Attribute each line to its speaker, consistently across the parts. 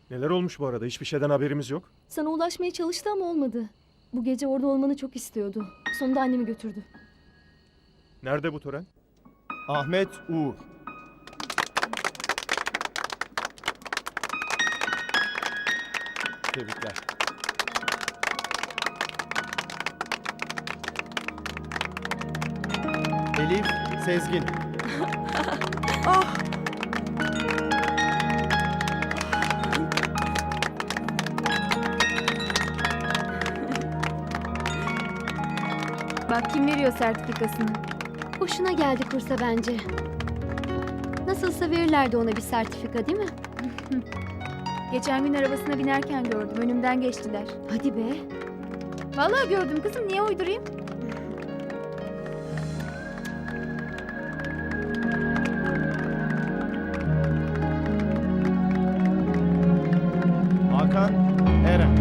Speaker 1: Neler olmuş bu arada? Hiçbir şeyden haberimiz yok.
Speaker 2: Sana ulaşmaya çalıştı ama olmadı. Bu gece orada olmanı çok istiyordu. Sonunda annemi götürdü.
Speaker 1: Nerede bu tören?
Speaker 3: Ahmet Uğur. Tebrikler. Elif Sezgin.
Speaker 4: Bak kim veriyor sertifikasını.
Speaker 5: Hoşuna geldi kursa bence. Nasılsa verirlerdi ona bir sertifika değil mi?
Speaker 4: Geçen gün arabasına binerken gördüm. Önümden geçtiler.
Speaker 5: Hadi be.
Speaker 4: Vallahi gördüm kızım. Niye uydurayım?
Speaker 3: Hakan Eren.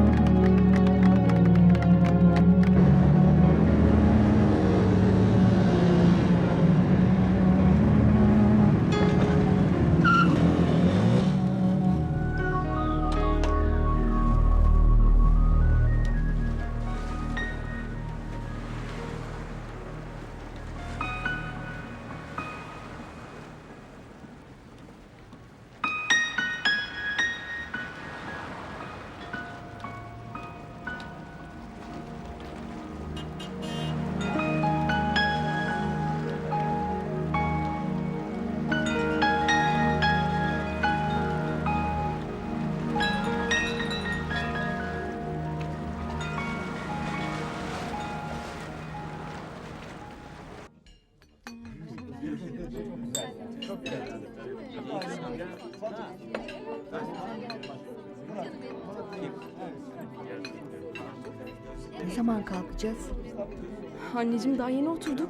Speaker 6: Ne zaman kalkacağız?
Speaker 2: Anneciğim daha yeni oturduk.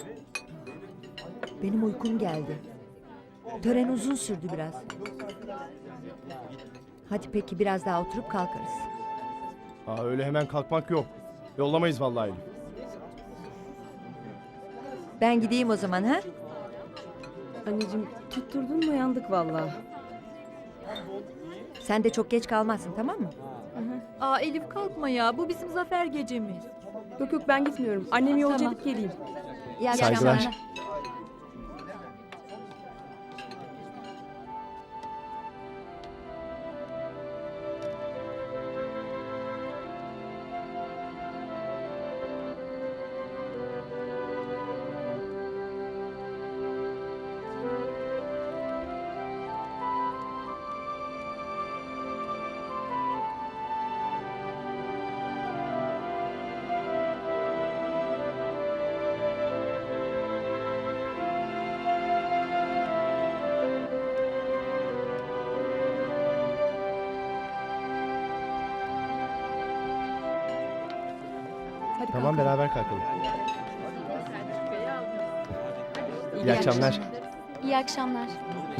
Speaker 6: Benim uykum geldi. Tören uzun sürdü biraz. Hadi peki biraz daha oturup kalkarız.
Speaker 3: Öyle hemen kalkmak yok. Yollamayız vallahi Elif.
Speaker 6: Ben gideyim o zaman ha?
Speaker 2: Anneciğim tutturdun mu yandık vallahi.
Speaker 6: Sen de çok geç kalmazsın tamam mı?
Speaker 7: Aa Elif kalkma ya. Bu bizim zafer gecemiz.
Speaker 2: Yok yok ben gitmiyorum. Annemi yolcu
Speaker 7: Tamam.
Speaker 2: edip geleyim.
Speaker 6: İyi
Speaker 3: Saygılar.
Speaker 6: akşamlar.
Speaker 2: Hadi
Speaker 3: Tamam
Speaker 2: kalkalım.
Speaker 3: beraber kalkalım. İyi akşamlar.
Speaker 5: İyi akşamlar.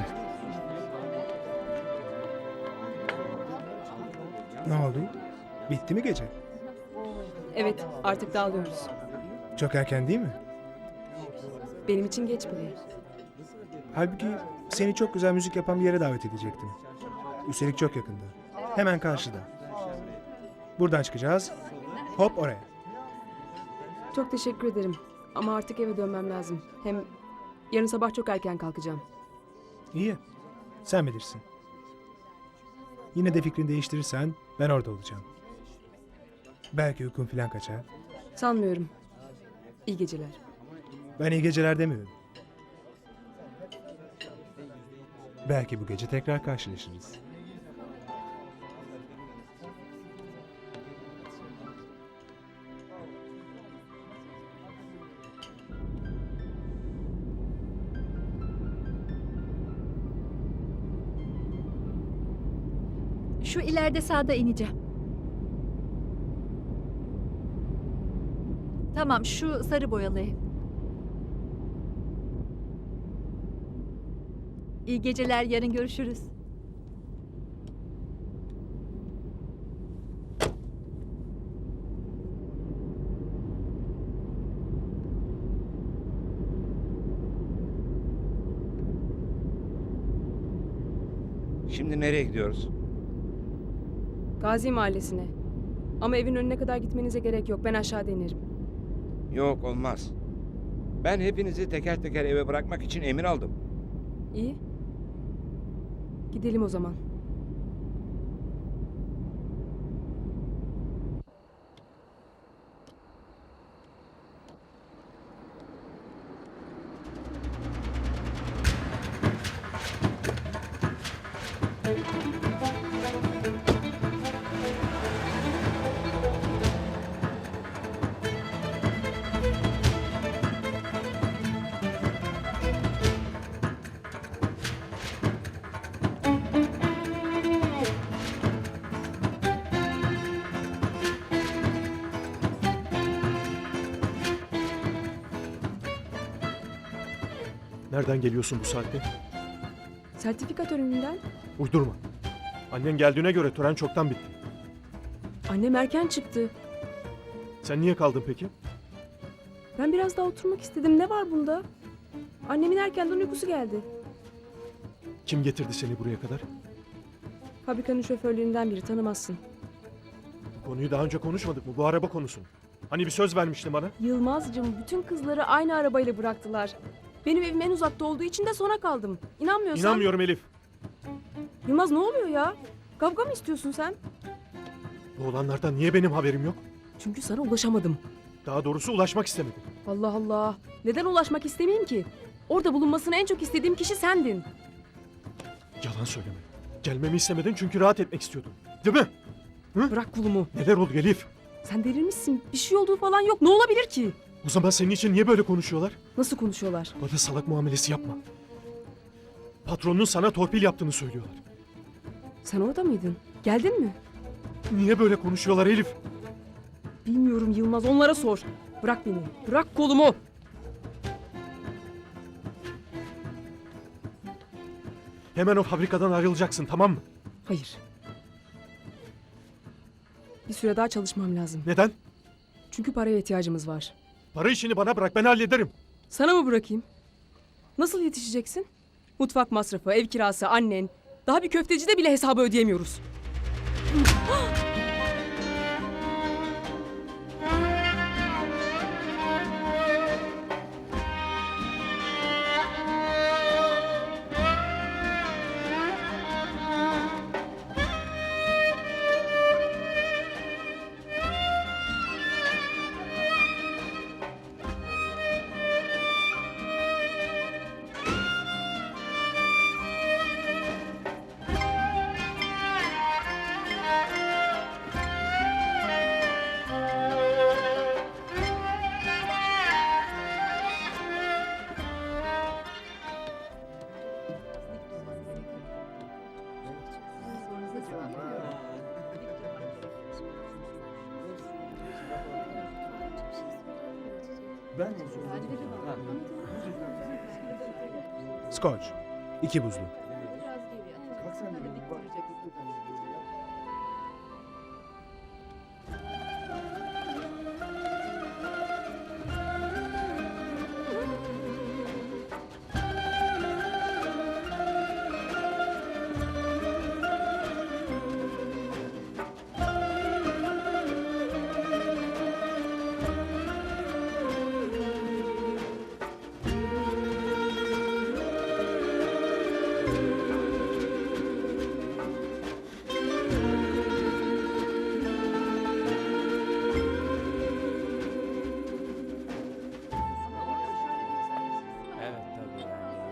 Speaker 8: Ne oldu? Bitti mi gece?
Speaker 9: Evet, artık dağılıyoruz.
Speaker 8: Çok erken değil mi?
Speaker 9: Benim için geç bile.
Speaker 8: Halbuki seni çok güzel müzik yapan bir yere davet edecektim. Üstelik çok yakında. Hemen karşıda. Buradan çıkacağız. Hop oraya.
Speaker 9: Çok teşekkür ederim. Ama artık eve dönmem lazım. Hem yarın sabah çok erken kalkacağım.
Speaker 8: İyi. Sen bilirsin. Yine de fikrini değiştirirsen ben orada olacağım. Belki uykun falan kaçar.
Speaker 9: Sanmıyorum. İyi geceler.
Speaker 8: Ben iyi geceler demiyorum. Belki bu gece tekrar karşılaşırız.
Speaker 7: Şu ileride sağda ineceğim. Tamam şu sarı boyalı ev. İyi geceler, yarın görüşürüz.
Speaker 10: Şimdi nereye gidiyoruz?
Speaker 9: Gazi Mahallesi'ne. Ama evin önüne kadar gitmenize gerek yok. Ben aşağıda inerim.
Speaker 10: Yok olmaz. Ben hepinizi teker teker eve bırakmak için emir aldım.
Speaker 9: İyi. Gidelim o zaman.
Speaker 1: Nereden geliyorsun bu saatte?
Speaker 9: Sertifika töreninden.
Speaker 1: Uydurma. Annen geldiğine göre tören çoktan bitti.
Speaker 9: Annem erken çıktı.
Speaker 1: Sen niye kaldın peki?
Speaker 9: Ben biraz daha oturmak istedim. Ne var bunda? Annemin erkenden uykusu geldi.
Speaker 1: Kim getirdi seni buraya kadar?
Speaker 9: Fabrikanın şoförlerinden biri, tanımazsın.
Speaker 1: Bu konuyu daha önce konuşmadık mı? Bu araba konusunu. Hani bir söz vermiştin bana?
Speaker 9: Yılmazcığım, bütün kızları aynı arabayla bıraktılar. Benim evim en uzakta olduğu için de sona kaldım. İnanmıyorsan...
Speaker 1: İnanmıyorum Elif.
Speaker 9: Yılmaz, ne oluyor ya? Kavga mı istiyorsun sen?
Speaker 1: Bu olanlardan niye benim haberim yok?
Speaker 9: Çünkü sana ulaşamadım.
Speaker 1: Daha doğrusu ulaşmak istemedim.
Speaker 9: Allah Allah. Neden ulaşmak istemeyeyim ki? Orada bulunmasını en çok istediğim kişi sendin.
Speaker 1: Yalan söyleme. Gelmemi istemedin çünkü rahat etmek istiyordun. Değil mi?
Speaker 9: Bırak kolumu.
Speaker 1: Neler oldu Elif?
Speaker 9: Sen delirmişsin. Bir şey olduğu falan yok. Ne olabilir ki?
Speaker 1: O zaman senin için niye böyle konuşuyorlar?
Speaker 9: Nasıl konuşuyorlar?
Speaker 1: Bana salak muamelesi yapma. Patronun sana torpil yaptığını söylüyorlar.
Speaker 9: Sen orada mıydın? Geldin mi?
Speaker 1: Niye böyle konuşuyorlar Elif?
Speaker 9: Bilmiyorum Yılmaz. Onlara sor. Bırak beni. Bırak kolumu.
Speaker 1: Hemen o fabrikadan ayrılacaksın, tamam mı?
Speaker 9: Hayır. Bir süre daha çalışmam lazım.
Speaker 1: Neden?
Speaker 9: Çünkü paraya ihtiyacımız var.
Speaker 1: Para işini bana bırak, ben hallederim.
Speaker 9: Sana mı bırakayım? Nasıl yetişeceksin? Mutfak masrafı, ev kirası, annen. Daha bir köftecide bile hesabı ödeyemiyoruz.
Speaker 8: Scotch. 2 buzlu.
Speaker 3: Evet tabii.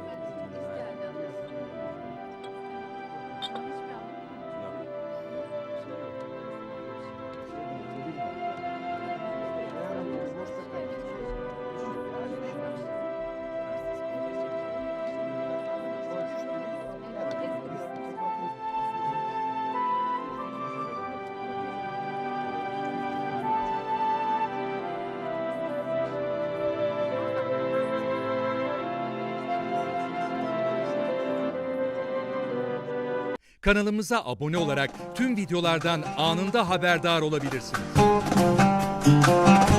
Speaker 11: Kanalımıza abone olarak tüm videolardan anında haberdar olabilirsiniz.